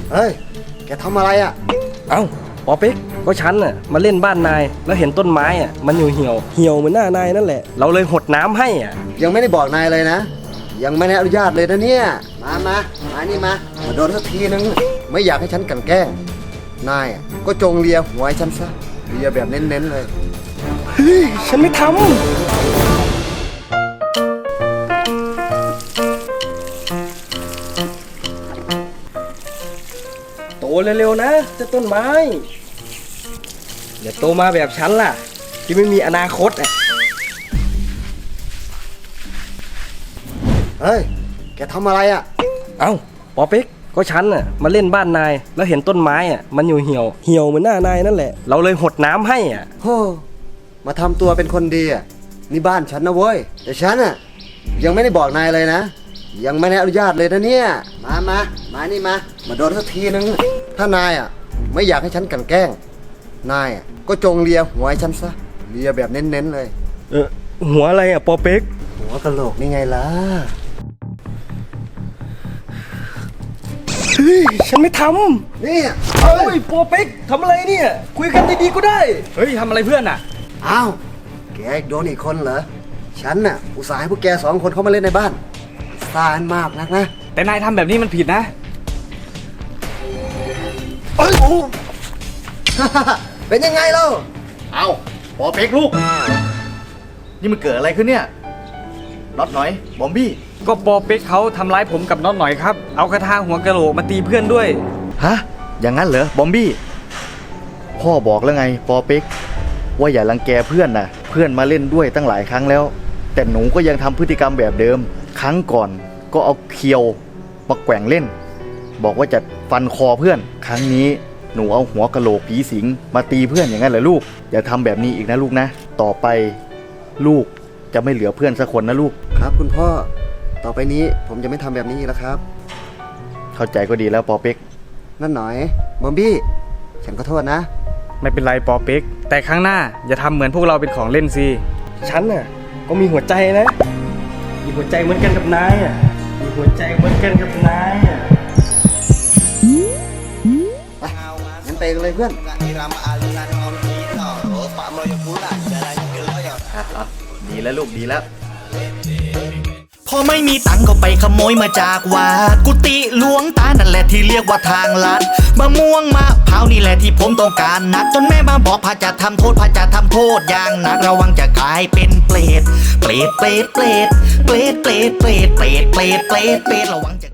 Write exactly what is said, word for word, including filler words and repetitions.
เฮ้ยแกทำอะไรอ่ะเอ้าปอเป๊กก็ฉันน่ะมาเล่นบ้านนายแล้วเห็นต้นไม้อ่ะมันอยู่เหี่ยวเหี่ยวเหมือนหน้านายนั่นแหละเราเลยหดน้ำให้อ่ะยังไม่ได้บอกนายเลยนะยังไม่ได้อนุญาตเลยนะเนี่ยมามามานี่มามาโดนสักทีนึงไม่อยากให้ฉันกลั่นแกล้งนายก็จงเลียหัวให้ฉันซะเลียแบบเน้นๆเลยเฮ้ยฉันไม่ทำโตเร็วๆนะเจ้าต้นไม้เดี๋ยวโตมาแบบฉันล่ะที่ไม่มีอนาคตอ่ะเฮ้ยแกทำอะไรอ่ะเอ้าปอเป๊กก็ฉันน่ะมาเล่นบ้านนายแล้วเห็นต้นไม้อ่ะมันอยู่เหี่ยวเหี่ยวเหมือนหน้านายนั่นแหละเราเลยหดน้ำให้อ่ะโฮ้มาทำตัวเป็นคนดีอ่ะนี่บ้านฉันนะเว้ยแต่ฉันอ่ะยังไม่ได้บอกนายเลยนะยังไม่ได้อนุญาตเลยนะเนี่ยมามามานี่มามาโดนสักทีนึงถ้านายอ่ะไม่อยากให้ฉันกลั่นแกล้งนายอ่ะก็จงเลียหัวให้ฉันซะเลียแบบเน้นๆเลยเออหัวอะไรอ่ะปอเป๊กหัวกะโหลกนี่ไงล่ะเฮ้ยฉันไม่ทำนี่เฮ้ยปอเป๊กทำอะไรเนี่ยคุยกันดีๆก็ได้เฮ้ยทำอะไรเพื่อนอ่ะอ้าวแกโดนอีกคนเหรอฉันน่ะอุตส่าห์ให้พวกแกสองคนเข้ามาเล่นในบ้านซ่านมากนักนะแต่นายทำแบบนี้มันผิดนะเอ้ยโอ้ เป็นยังไงเล่าเอาปอเป๊กลูกนี่มันเกิดอะไรขึ้นเนี่ยน็อตหน่อยบอมบี้ก็ปอเป๊กเขาทำร้ายผมกับน็อตหน่อยครับเอากระทาหัวกะโหลกมาตีเพื่อนด้วยฮะอย่างนั้นเหรอบอมบี้พ่อบอกแล้วไงปอเป๊กว่าอย่ารังแกเพื่อนนะเพื่อนมาเล่นด้วยตั้งหลายครั้งแล้วแต่หนูก็ยังทำพฤติกรรมแบบเดิมครั้งก่อนก็เอาเคียวมาแกว่งเล่นบอกว่าจะฟันคอเพื่อนครั้งนี้หนูเอาหัวกะโหลกผีสิงมาตีเพื่อนอย่างนั้นเหรอลูกอย่าทำแบบนี้อีกนะลูกนะต่อไปลูกจะไม่เหลือเพื่อนสักคนนะลูกครับคุณพ่อต่อไปนี้ผมจะไม่ทำแบบนี้อีกแล้วครับเข้าใจก็ดีแล้วปอเป๊กนั่นหน่อยบอมบี้ฉันขอโทษนะไม่เป็นไรปอเป๊กแต่ครั้งหน้าอย่าทำเหมือนพวกเราเป็นของเล่นสิฉันน่ะก็มีหัวใจนะมีหัวใจเหมือนกันกับนายอ่ะมีหัวใจเหมือนกันกับนายอ่ะไปงั้นไปกันเลยเพื่อนดีแล้วลูกดีแล้วพอไม่มีตังก็ไปขโมยมาจากวัดกุฏิหลวงตานั่นแหละที่เรียกว่าทางลัดมะม่วงมะพร้าวนี่แหละที่ผมต้องการนักจนแม่มาบอกพระจะทำโทษพระจะทำโทษอย่างหนักระวังจะกลายเป็นเปรตเปรตเปรตเปรตเปรตเปรตเปรตเปรตเปรตเปรตเปรตระวังจะ